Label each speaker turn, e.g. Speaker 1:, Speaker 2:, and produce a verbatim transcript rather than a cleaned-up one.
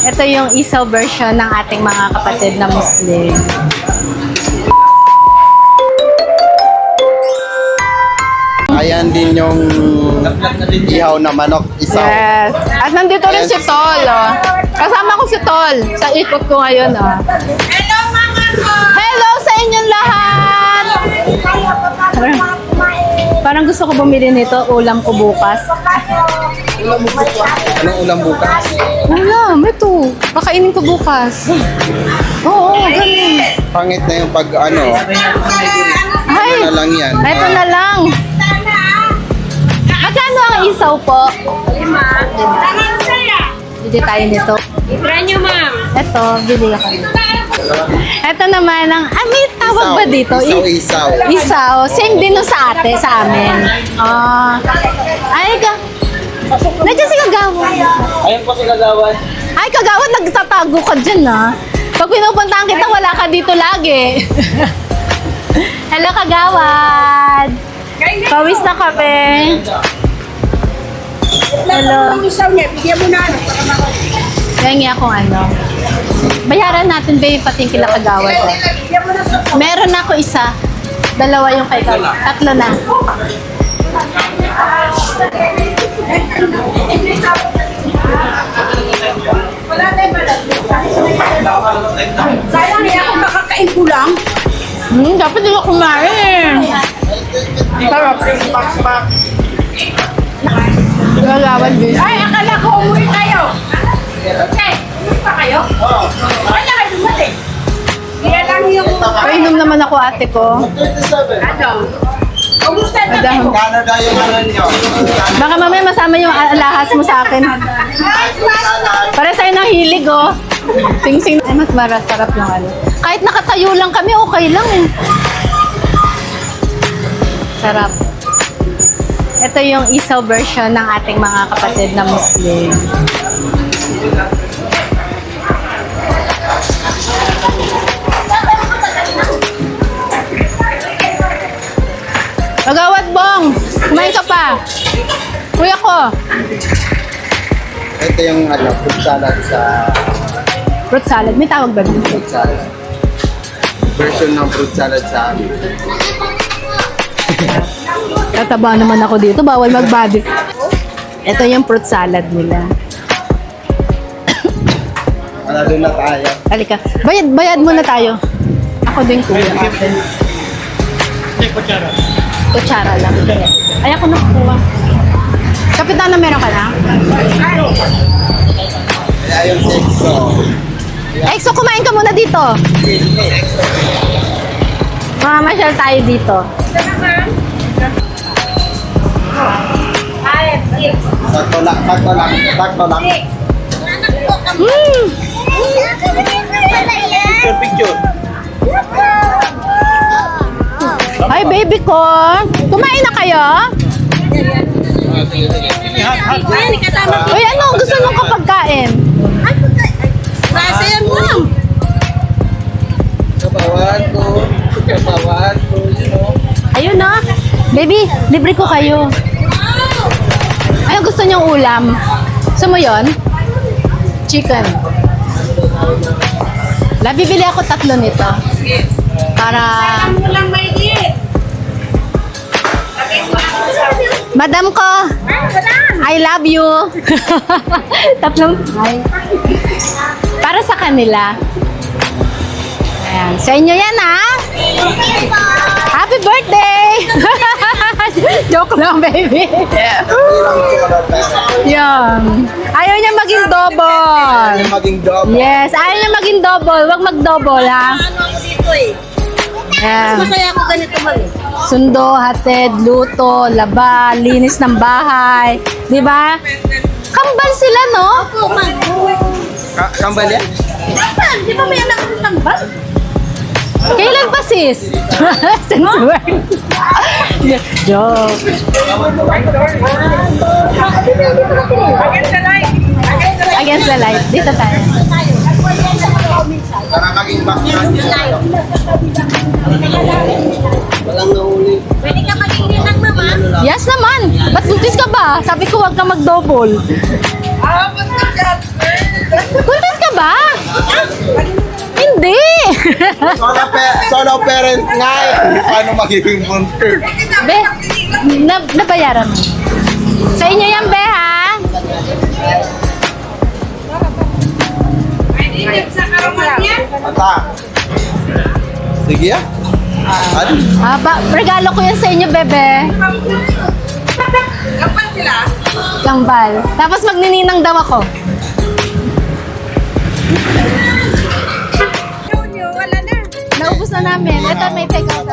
Speaker 1: Ito yung isaw version ng ating mga kapatid na Muslim.
Speaker 2: Ayan din yung ihaw na manok, isaw.
Speaker 1: Yes. At nandito rin si Tol. Oh. Kasama ko si Tol sa ikot ko ngayon. Oh.
Speaker 3: Hello, mama ko!
Speaker 1: Hello sa inyong lahat! Parang, parang gusto ko bumili nito. Ulam ko bukas.
Speaker 2: Ulam mo bukas? Anong ulam bukas?
Speaker 1: Wala, may to. Kakainin ko bukas. Oo, ganun.
Speaker 2: Pangit na yung pag ano.
Speaker 1: Ay,
Speaker 2: Ano na lang yan.
Speaker 1: ito
Speaker 2: Ah,
Speaker 1: na lang. Magkano ang isaw po?
Speaker 3: Lima. Tangan saya.
Speaker 1: Bili tayo nito.
Speaker 3: Try nyo, ma'am.
Speaker 1: Ito, bili ako nito. Ito naman ang, ah, may tawag
Speaker 2: isaw.
Speaker 1: ba dito?
Speaker 2: Isaw,
Speaker 1: I-
Speaker 2: isaw.
Speaker 1: Isaw. Same din no sa ate, sa amin. Ah, ay, ka. Nandiyan si Kagawan.
Speaker 4: Ayun po si Kagawan.
Speaker 1: Ay, Kagawan, nagtatago ka dyan, ha? Pag pinupuntahan kita, wala ka dito lagi. Hello, Kagawan. Pawis na kami. Hello.
Speaker 3: Ang isaw niya, bigyan mo na ano.
Speaker 1: Kaya akong ano. Bayaran natin ba yung pati yung kila Kagawan ko?
Speaker 3: Bigyan mo na sa
Speaker 1: Meron ako isa. Dalawa yung kay Kagawan. Tatlo na.
Speaker 3: Wala na yung balat. Sayang niya kung kakakain ko lang.
Speaker 1: Hmm, dapat di ba kumain? Sarap. Kagawan din.
Speaker 3: Ay, akala ko umuwi kayo. Okay, umuwi pa kayo? Oo. Wala kayo dumating. Kaya lang yung...
Speaker 1: Painom naman ako ate ko.
Speaker 3: Ano? Kumusta na
Speaker 1: Madam.
Speaker 2: Canada yung ano nyo.
Speaker 1: Baka mamaya masama yung alahas mo sa akin. Para sa'yo ng hilig, oh. Sing-sing. Ay, mas marasarap yung ano. Kahit nakatayo lang kami, okay lang eh. Sarap. Ito yung isaw version ng ating mga kapatid na Muslim. Magawat bong! Kumain ka pa! Kuya ko!
Speaker 2: Ito yung ano, fruit salad sa
Speaker 1: Fruit salad. May tawag ba dito?
Speaker 2: fruit salad. Version ng fruit salad sa amin.
Speaker 1: Tataba naman ako dito. Bawal mag-body. Ito yung fruit salad nila.
Speaker 2: Manalo na tayo.
Speaker 1: Halika. Bayad, bayad muna tayo. Ako din kuya. Ate. Kutsara lang. Ay, ako nakukuha. Kapitana, meron ka na?
Speaker 2: Kaya yung sexo.
Speaker 1: Exo, kumain ka muna dito. Mamamasyal tayo dito.
Speaker 3: Five, six.
Speaker 2: Sakto lang, sakto lang, sakto lang.
Speaker 1: Mm.
Speaker 4: Picture, picture.
Speaker 1: Ay, baby ko. Kumain na kayo?
Speaker 3: Ay, kasama ko.
Speaker 1: Uy, ano gusto nyo kapagkain?
Speaker 3: Nasa yan, ma'am.
Speaker 4: Kabawan ko. Kabawan ko.
Speaker 1: Ayun na. Baby, libre ko kayo. Ano gusto nyong ulam? Gusto mo yun? Chicken. La, bibili ako tatlo nito. Para...
Speaker 3: Ano lang may diet?
Speaker 1: Madam ko, I love you. Tatlong... Ay. Para sa kanila. Ayan. Sa inyo yan, ha? Happy birthday! Joke lang, baby. Yan. Ayaw niya maging double.
Speaker 2: Yung maging double.
Speaker 1: Yes, ayaw niya maging double. Huwag mag-double, ha?
Speaker 3: Ano ako dito eh.
Speaker 1: Yan.
Speaker 3: Masaya ako ganito mag eh.
Speaker 1: Sundo, hatid, luto, laba, linis ng bahay. Di ba? Kambal sila, no?
Speaker 3: Ako, ma'am.
Speaker 2: Ka- kambal yan?
Speaker 3: Dapat, di ba may anak ng tambal?
Speaker 1: Kailan pa, sis? Since when? Joke.
Speaker 3: Against the light.
Speaker 1: Against the light. Dito tayo.
Speaker 2: Para maging background yun.
Speaker 4: Walang nahuli.
Speaker 3: Pwede ka maging ninang, mama?
Speaker 1: Yes naman. Ba't buntis ka ba? Sabi ko huwag ka mag-double.
Speaker 3: Ah, ba't ka?
Speaker 1: Buntis ka
Speaker 2: Solo, pa- solo parents nga eh. Paano magiging bunter?
Speaker 1: Be, na, nabayaran mo. Sa inyo yan, be, ha?
Speaker 3: Pwede sa karuman niya.
Speaker 2: Ata. Sige ah. Ano?
Speaker 1: Ah, ba, regalo ko yan sa inyo, bebe.
Speaker 3: Kapal sila.
Speaker 1: Kambal. Tapos magnininang daw ako.
Speaker 3: Yun yun, wala na.
Speaker 1: Naubos na namin. Ito may take out